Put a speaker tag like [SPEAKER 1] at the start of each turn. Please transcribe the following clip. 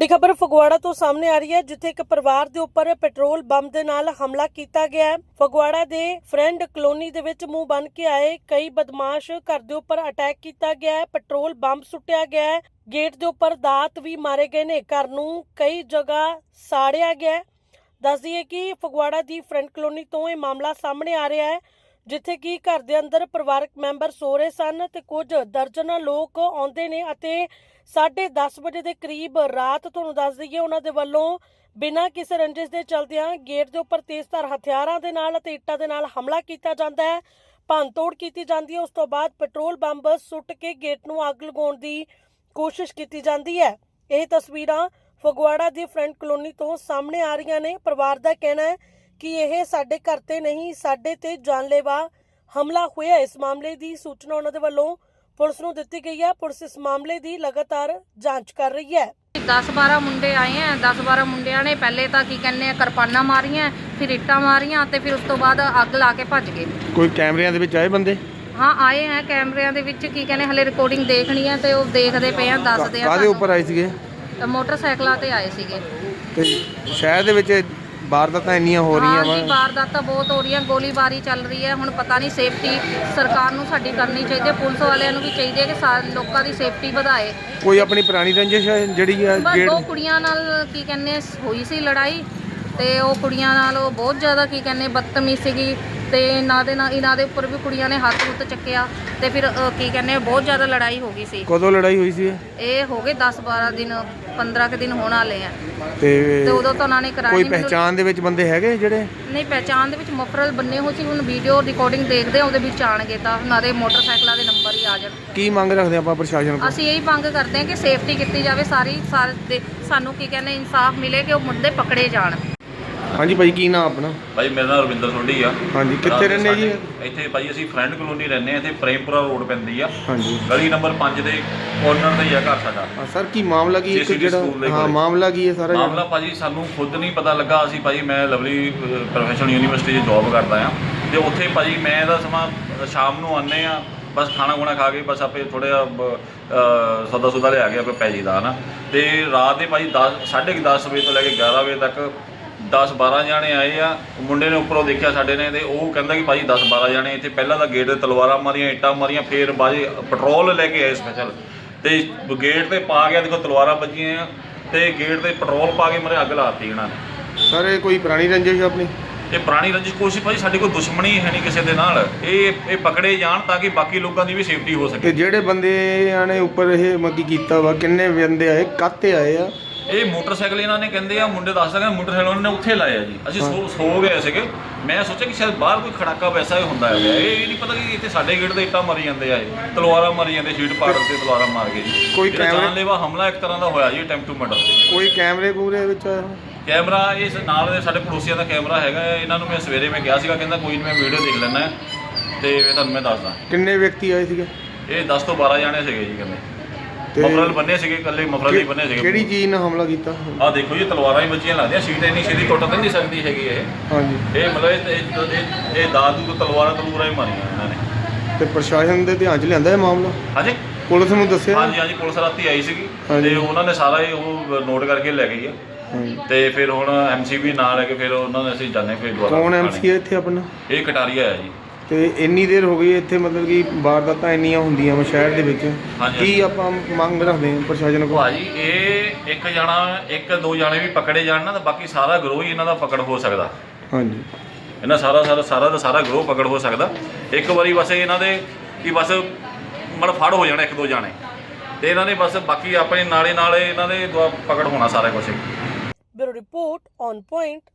[SPEAKER 1] बड़ी खबर फगवाड़ा तो सामने आ रही है, जिथे एक परिवार के उपर पेट्रोल बम के नाल हमला किया गया है। फगवाड़ा के फ्रेंड कलोनी दे विच मुंह बन के आए कई बदमाश घर के उपर अटैक किया गया है। पेट्रोल बम सुट्टिया गया है, गेट के उपर दात भी मारे गए ने, घर नूं कई जगह साड़िया गया है। दस दईए कि फगवाड़ा की फ्रेंड कलोनी तो यह मामला सामने आ रहा है, जिथे कि घर के अंदर परिवारक मैंबर सो रहे सन ते कुछ दर्जन लोग आउंदे ने अते 10:30 बजे के करीब रात तुहानूं दस दईए उन्हां दे वल्लों बिना किसी रंजिश के चलदियां गेट के उपर तेज़धार हथियारां दे नाल अते इट्टां दे नाल हमला किया जाता है, भंन तोड़ की जाती है। उस तो बाद पेट्रोल बंब सुट के गेट नूं अग लगाउण दी कोशिश की जाती है। यह तस्वीरां फगवाड़ा की फ्रेंड कलोनी तो सामने आ रही ने। परिवार का कहना है कि यह साडे घर ते नहीं, साडे ते जानलेवा हमला होया। इस मामले की सूचना उन्हां दे वल्लों पुलिस नूं दित्ती गई है। पुलिस इस मामले की लगातार जांच कर रही है।
[SPEAKER 2] 10-12 मुंडे आए हैं। 10-12 मुंडिया ने पहले तो की कहने किरपाना मारियां, फिर इट्टां मारियां ते फिर उस तो बाद अग ला के भज गए।
[SPEAKER 3] कोई कैमरिਆਂ ਦੇ ਵਿੱਚ ਆਏ ਬੰਦੇ?
[SPEAKER 2] हाँ आए हैं, कैमरिਆਂ ਦੇ ਵਿੱਚ की कहने हले रिकॉर्डिंग देखनी है तो देखते पे हैं, दसदे हैं।
[SPEAKER 3] ਕਾਹਦੇ ਉੱਪਰ ਆਏ ਸੀਗੇ?
[SPEAKER 2] मोटरसाइकिलों ते आए सीगे।
[SPEAKER 3] ਤੇ ਸ਼ਹਿਰ ਦੇ ਵਿੱਚ ਵਾਰਦਾਤਾਂ ਇੰਨੀਆਂ ਹੋ ਰਹੀਆਂ
[SPEAKER 2] हाँ जी, वारदात बहुत हो रही है, गोलीबारी चल रही है। हुण पता नहीं सेफ्टी सरकार नूं साडी करनी चाहिए, पुलिस वालियां नूं भी चाहिए कि लोगों की सेफ्टी ਵਧਾਏ।
[SPEAKER 3] ਕੋਈ ਆਪਣੀ ਪੁਰਾਣੀ ਰੰਜਿਸ਼ ਹੈ ਜਿਹੜੀ ਆ
[SPEAKER 2] बस
[SPEAKER 3] ਗੇੜ
[SPEAKER 2] दो कुड़ियां नाल की कहने हुई सी लड़ाई ते ਉਹ ਕੁੜੀਆਂ ਨਾਲ ਉਹ ਬਹੁਤ ਜ਼ਿਆਦਾ ਕੀ ਕਹਿੰਦੇ ਬਦਤਮੀਜ਼ ਸੀਗੀ ਤੇ ਇਹਨਾਂ ਦੇ ਉੱਪਰ ਵੀ ਕੁੜੀਆਂ ਨੇ ਹੱਥ ਹੁੱਥ ਚੱਕਿਆ ਤੇ ਫਿਰ ਕੀ ਕਹਿੰਦੇ ਬਹੁਤ ਜ਼ਿਆਦਾ ਲੜਾਈ ਹੋ ਗਈ ਸੀ।
[SPEAKER 3] ਕਦੋਂ ਲੜਾਈ ਹੋਈ ਸੀ
[SPEAKER 2] ਇਹ ਹੋ ਗਏ 10-12 ਦਿਨ 15 ਕੁ ਦਿਨ ਹੋਣ ਵਾਲੇ ਆ
[SPEAKER 3] ਤੇ
[SPEAKER 2] ਤੇ ਉਦੋਂ ਤਾਂ ਉਹਨਾਂ ਨੇ ਕਰਾਈ
[SPEAKER 3] ਕੋਈ
[SPEAKER 2] ਨਹੀਂ।
[SPEAKER 3] ਪਹਿਚਾਣ ਦੇ ਵਿੱਚ ਬੰਦੇ ਹੈਗੇ ਜਿਹੜੇ?
[SPEAKER 2] ਨਹੀਂ, ਪਹਿਚਾਣ ਦੇ ਵਿੱਚ ਮਫਰਲ ਬੰਨੇ ਹੋਏ ਸੀ। ਹੁਣ ਵੀਡੀਓ ਰਿਕਾਰਡਿੰਗ ਦੇਖਦੇ ਆ, ਉਹਦੇ ਵਿੱਚ ਆਣਗੇ ਤਾਂ ਉਹਨਾਂ ਦੇ ਮੋਟਰਸਾਈਕਲਾਂ ਦੇ ਨੰਬਰ ਹੀ ਆ ਜਾਣ।
[SPEAKER 3] ਕੀ ਮੰਗ ਰੱਖਦੇ ਆਪਾਂ ਪ੍ਰਸ਼ਾਸਨ ਕੋਲ?
[SPEAKER 2] ਅਸੀਂ ਇਹੀ ਮੰਗ ਕਰਦੇ ਹਾਂ ਕਿ ਸੇਫਟੀ ਕੀਤੀ ਜਾਵੇ ਸਾਰੇ ਸਾਨੂੰ ਕੀ ਕਹਿੰਦੇ ਇਨਸਾਫ ਮਿਲੇ ਕਿ ਉਹ ਮੁੰਡੇ ਪਕੜੇ ਜਾਣ।
[SPEAKER 3] ਹਾਂਜੀ ਭਾਈ, ਕੀ ਨਾਮ ਆਪਣਾ?
[SPEAKER 4] ਭਾਈ ਮੇਰਾ ਨਾਮ ਰਵਿੰਦਰ ਸੋਢੀ ਆ।
[SPEAKER 3] ਹਾਂਜੀ, ਕਿੱਥੇ ਰਹਿੰਦੇ ਜੀ?
[SPEAKER 4] ਇੱਥੇ ਭਾਈ ਅਸੀਂ ਫਰੈਂਡ ਕਲੋਨੀ ਰਹਿੰਦੇ ਆ। ਇੱਥੇ ਪ੍ਰੇਮਪੁਰਾ ਰੋਡ ਪੈਂਦੀ ਆ।
[SPEAKER 3] ਹਾਂਜੀ,
[SPEAKER 4] ਗਲੀ ਨੰਬਰ 5 ਦੇ ਕੋਰਨਰ ਤੇ ਹੀ ਆ ਘਰ ਸਾਡਾ।
[SPEAKER 3] ਹਾਂ ਸਰ, ਕੀ ਮਾਮਲਾ ਕੀ ਇੱਕ
[SPEAKER 4] JCD ਸਕੂਲ ਦੇ
[SPEAKER 3] ਜਿਹੜਾ
[SPEAKER 4] ਕੋਲ।
[SPEAKER 3] ਮਾਮਲਾ ਕੀ ਹੈ ਸਾਰਾ?
[SPEAKER 4] ਮਾਮਲਾ ਭਾਜੀ ਸਾਨੂੰ ਖੁਦ ਨਹੀਂ ਪਤਾ ਲੱਗਾ। ਅਸੀਂ ਭਾਜੀ ਮੈਂ ਲਵਲੀ ਪ੍ਰੋਫੈਸ਼ਨਲ ਯੂਨੀਵਰਸਿਟੀ 'ਚ ਜੌਬ ਕਰਦਾ ਆ ਤੇ ਉੱਥੇ ਭਾਜੀ ਮੈਂ ਇਹਦਾ ਸਮਾਂ ਸ਼ਾਮ ਨੂੰ ਆਉਂਦੇ ਆ, ਬਸ ਖਾਣਾ ਖੁਣਾ ਖਾ ਕੇ ਬਸ ਆਪੇ ਥੋੜ੍ਹਾ ਜਿਹਾ ਸੌਦਾ ਸੁਦਾ ਲਿਆ ਕੇ ਆਪੇ ਪੈ ਜੀਦਾ ਨਾ। ਤੇ ਰਾਤ ਦੇ ਭਾਜੀ 10:30 ਵਜੇ ਤੋਂ ਲੈ ਕੇ 11 ਵਜੇ ਤੱਕ 10-12 ਜਾਣੇ ਆਏ ਆ। ਮੁੰਡੇ ਨੇ ਉੱਪਰੋਂ ਦੇਖਿਆ ਸਾਡੇ ਨੇ ਤੇ ਉਹ ਕਹਿੰਦਾ ਕਿ ਭਾਜੀ 10-12 ਜਾਣੇ ਇੱਥੇ ਪਹਿਲਾਂ ਤਾਂ ਗੇਟ 'ਤੇ ਤਲਵਾਰਾਂ ਮਾਰੀਆਂ, ਇੱਟਾਂ ਮਾਰੀਆਂ, ਫਿਰ ਬਾਜੀ ਪੈਟਰੋਲ ਲੈ ਕੇ ਆਏ ਸਪੈਸ਼ਲ ਤੇ ਗੇਟ 'ਤੇ ਪਾ ਗਿਆ। ਦੇਖੋ ਤਲਵਾਰਾਂ ਵੱਜੀਆਂ ਆ ਤੇ ਗੇਟ 'ਤੇ ਪੈਟਰੋਲ ਪਾ ਕੇ ਮਰੇ ਅੱਗ ਲਾਤੀ ਇਹਨਾਂ ਨੇ।
[SPEAKER 3] ਸਰ ਇਹ ਕੋਈ ਪੁਰਾਣੀ ਰੰਜਿਸ਼ ਆਪਣੀ?
[SPEAKER 4] ਇਹ ਪੁਰਾਣੀ ਰੰਜਿਸ਼ ਕੋਸ਼ਿਸ਼ ਭਾਜੀ ਸਾਡੀ ਕੋਈ ਦੁਸ਼ਮਣੀ ਹੈ ਨਹੀਂ ਕਿਸੇ ਦੇ ਨਾਲ। ਇਹ ਪਕੜੇ ਜਾਣ ਤਾਂ ਕਿ ਬਾਕੀ ਲੋਕਾਂ ਦੀ ਵੀ ਸੇਫਟੀ ਹੋ
[SPEAKER 3] ਤੇ
[SPEAKER 4] ਸਕੇ।
[SPEAKER 3] ਜਿਹੜੇ ਬੰਦਿਆਂ ਨੇ ਉੱਪਰ ਇਹ ਮੱਗੀ ਕੀਤਾ ਵਾ, ਕਿੰਨੇ ਬੰਦੇ ਆਏ, ਕਾਹਤੇ ਆਏ ਆ?
[SPEAKER 4] ਇਹ ਮੋਟਰਸਾਈਕਲ ਇਹਨਾਂ ਨੇ ਕਹਿੰਦੇ ਆ, ਮੁੰਡੇ ਦੱਸਦਾ ਕਿ ਮੋਟਰਸਾਈਕਲ ਉਹਨਾਂ ਨੇ ਉੱਥੇ ਲਾਇਆ ਜੀ। ਅਸੀਂ ਸੋ ਗਏ ਸੀਗੇ। ਮੈਂ ਸੋਚਿਆ ਕਿ ਸ਼ਾਇਦ ਬਾਹਰ ਕੋਈ ਖੜਾਕਾ ਵੈਸਾ ਹੀ ਹੁੰਦਾ ਹੈ। ਇਹ ਨਹੀਂ ਪਤਾ ਕਿ ਇੱਥੇ ਸਾਡੇ ਗੇਟ 'ਤੇ ਇੱਟਾਂ ਮਾਰੀ ਜਾਂਦੇ ਆ, ਇਹ ਤਲਵਾਰਾਂ ਮਾਰੀ ਜਾਂਦੇ, ਸ਼ੀਟ ਪਾੜ ਤੇ ਤਲਵਾਰਾਂ ਮਾਰ ਕੇ ਜੀ।
[SPEAKER 3] ਕੋਈ
[SPEAKER 4] ਜਾਨਲੇਵਾ ਹਮਲਾ ਇੱਕ ਤਰ੍ਹਾਂ ਦਾ ਹੋਇਆ ਜੀ, ਅਟੈਂਪਟ ਟੂ ਮਰਡਰ।
[SPEAKER 3] ਕੋਈ ਕੈਮਰੇ ਕੂਮਰੇ ਵਿੱਚ ਆਇਆ?
[SPEAKER 4] ਕੈਮਰਾ ਇਸ ਨਾਲ ਦੇ ਸਾਡੇ ਪੜੋਸੀਆਂ ਦਾ ਕੈਮਰਾ ਹੈਗਾ। ਇਹਨਾਂ ਨੂੰ ਮੈਂ ਸਵੇਰੇ ਮੈਂ ਕਿਹਾ ਸੀਗਾ, ਕਹਿੰਦਾ ਕੋਈ ਨਹੀਂ ਮੈਂ ਵੀਡੀਓ ਦੇਖ ਲੈਣਾ ਤੇ ਤੁਹਾਨੂੰ ਮੈਂ ਦੱਸਦਾ।
[SPEAKER 3] ਕਿੰਨੇ ਵਿਅਕਤੀ ਆਏ ਸੀਗੇ?
[SPEAKER 4] ਇਹ 10 ਤੋਂ 12 ਜਾਣੇ ਸੀਗੇ ਜੀ। ਕਹਿੰਦੇ
[SPEAKER 3] ਤੇ
[SPEAKER 4] ਮਫਰਲ ਬੰਨੇ ਸੀਗੇ, ਇਕੱਲੇ ਮਫਰਲ ਹੀ ਬੰਨੇ ਸੀਗੇ।
[SPEAKER 3] ਕਿਹੜੀ ਚੀਜ਼ ਨਾਲ ਹਮਲਾ ਕੀਤਾ?
[SPEAKER 4] ਆਹ ਦੇਖੋ ਜੀ, ਤਲਵਾਰਾਂ ਹੀ ਬੱਚੀਆਂ ਲੱਗਦੀਆਂ, ਸ਼ੀਟ ਇੰਨੀ ਛੇਤੀ ਟੁੱਟ ਤਾਂ ਨਹੀਂ ਸਕਦੀ ਹੈਗੀ ਇਹ।
[SPEAKER 3] ਹਾਂਜੀ,
[SPEAKER 4] ਇਹ ਮਤਲਬ ਇਹ ਦਾਦੂ ਤੋਂ ਤਲਵਾਰਾਂ ਹੀ ਮਾਰੀਆਂ ਇਹਨਾਂ ਨੇ।
[SPEAKER 3] ਤੇ ਪ੍ਰਸ਼ਾਸਨ ਦੇ ਧਿਆਨ 'ਚ ਲਿਆਂਦਾ ਇਹ ਮਾਮਲਾ?
[SPEAKER 4] ਹਾਂਜੀ,
[SPEAKER 3] ਪੁਲਿਸ ਨੂੰ ਦੱਸਿਆ?
[SPEAKER 4] ਹਾਂਜੀ ਪੁਲਿਸ ਰਾਤੀ ਆਈ ਸੀਗੀ
[SPEAKER 3] ਹਾਂਜੀ।
[SPEAKER 4] ਤੇ ਉਹਨਾਂ ਨੇ ਸਾਰਾ ਉਹ ਨੋਟ ਕਰਕੇ ਲੈ ਗਈ ਆ।
[SPEAKER 3] ਹਾਂਜੀ,
[SPEAKER 4] ਤੇ ਫਿਰ ਹੁਣ MC ਵੀ ਨਾਲ ਲੈ ਕੇ ਫਿਰ ਉਹਨਾਂ ਨੇ ਅਸੀਂ ਜਾਣੇ ਫਿਰ ਦੁਬਾਰਾ।
[SPEAKER 3] ਕੌਣ MC ਹੈ ਇੱਥੇ ਆਪਣਾ?
[SPEAKER 4] ਇਹ ਕਟਾਰੀਆ ਹੈ ਜੀ।
[SPEAKER 3] ਤੇ ਇੰਨੀ ਦੇਰ ਹੋ ਗਈ ਇੱਥੇ, ਮਤਲਬ ਕਿ ਵਾਰਦਾਤਾਂ ਇੰਨੀਆਂ ਹੁੰਦੀਆਂ ਵਾ ਸ਼ਹਿਰ ਦੇ ਵਿੱਚ,
[SPEAKER 4] ਹਾਂਜੀ।
[SPEAKER 3] ਕੀ ਆਪਾਂ ਮੰਗ ਰੱਖਦੇ ਹਾਂ ਪ੍ਰਸ਼ਾਸਨ ਕੋਲ?
[SPEAKER 4] ਭਾਜੀ ਇਹ ਇੱਕ ਦੋ ਜਾਣੇ ਵੀ ਪਕੜੇ ਜਾਣ ਨਾ ਤਾਂ ਬਾਕੀ ਸਾਰਾ ਗਰੋਹ ਹੀ ਇਹਨਾਂ ਦਾ ਪਕੜ ਹੋ ਸਕਦਾ।
[SPEAKER 3] ਹਾਂਜੀ,
[SPEAKER 4] ਇਹਨਾਂ ਸਾਰਾ ਗਰੋਹ ਪਕੜ ਹੋ ਸਕਦਾ। ਇੱਕ ਵਾਰੀ ਬਸ ਇਹਨਾਂ ਦੇ ਕਿ ਬਸ ਫੜ ਹੋ ਜਾਣਾ ਇੱਕ ਦੋ ਜਾਣੇ ਤੇ ਇਹਨਾਂ ਨੇ ਬਸ ਬਾਕੀ ਆਪਣੇ ਨਾਲੇ ਇਹਨਾਂ ਦੇ ਪਕੜ ਹੋਣਾ ਸਾਰਾ ਕੁਝ।
[SPEAKER 1] Bureau report on point.